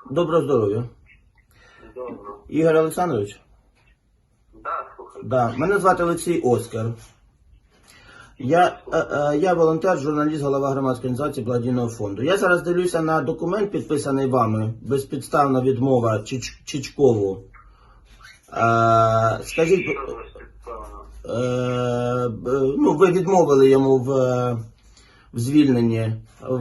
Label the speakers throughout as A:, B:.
A: Доброго здоров'я.
B: Добре.
A: Ігор Олександрович?
B: Да, слухай.
A: Да. Мене звати Олексій Оскар. Я волонтер, журналіст, голова громадської організації благодійного фонду. Я зараз дивлюся на документ, підписаний вами, безпідставна відмова Чичкову. Скажіть,
B: Що за спеціально?
A: ну, ви відмовили йому в звільненні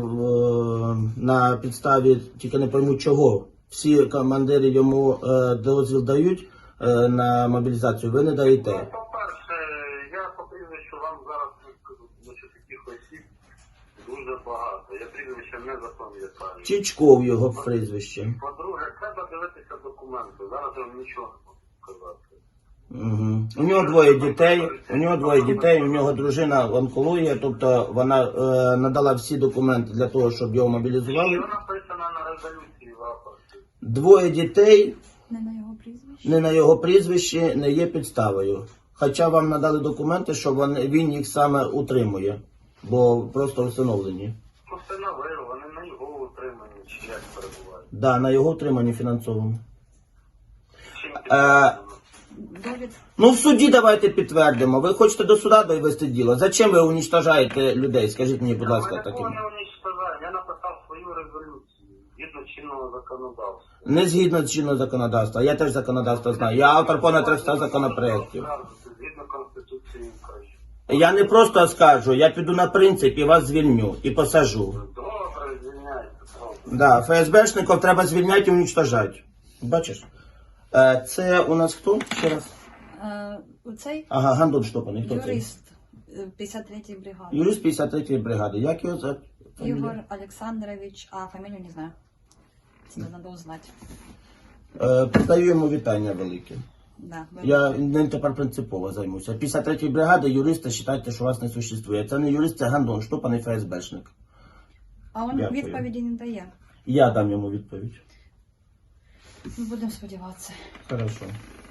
A: на підставі, тільки не пойму чого. Всі командири йому дозвіл дають на мобілізацію, ви не даєте.
B: Ну, по-перше, я по прізвищу вам зараз не скажу, тому що таких осіб дуже багато. Я прізвище не запам'ятаю.
A: Чичков його прізвище.
B: По-друге, треба дивитися документи. Зараз я вам нічого не можу сказати.
A: Угу. У нього двоє дітей, у нього дружина онкологія, тобто вона надала всі документи для того, щоб його мобілізували.
B: Що написано на резолюції в рапорті?
A: Двоє дітей,
C: Не на його прізвище.
A: не на його прізвище, не є підставою. Хоча вам надали документи, що він їх саме утримує, бо просто встановлені.
B: Постановив, вони на його утриманні, чи як перебувають.
A: Да, на його утриманні фінансовому.
B: Чим підтверджено?
C: Довід.
A: Ну, в суді давайте підтвердимо. Ви хочете до суда довести діло. Зачем ви уничтожаєте людей? Скажіть мені, будь ласка,
B: Я
A: таким.
B: нікого не уничтожаю. Я написав свою резолюцію згідно чинного законодавства.
A: Не згідно з чинного законодавства. Я теж законодавство знаю. Я автор понад 300 законопроєктів.
B: Згідно Конституції України.
A: Я не просто оскаржу, я піду на принцип і вас звільню, і посажу.
B: Добре, звільняйте, правда.
A: Да, ФСБшників треба звільняти і уничтожати. Бачиш? Це у нас хто? Ще раз.
C: Оцей
A: Ага, Гандон Штопаний. Хто це?
C: юрист 53-ї бригади.
A: Юрист 53-ї бригади. Як його за
C: Ігор Олександрович, а фамілію не знаю. Це треба узнати.
A: Передаю йому вітання велике.
C: Да,
A: Я ним тепер принципово займуся. 53-ї бригади, юристи, вважайте, що вас не существує. Це не юрист, це Гандон Штопаний ФСБшник.
C: А він
A: Дякую.
C: відповіді не дає.
A: Я дам йому відповідь.
C: Ми будемо сподіватися.
A: Хорошо.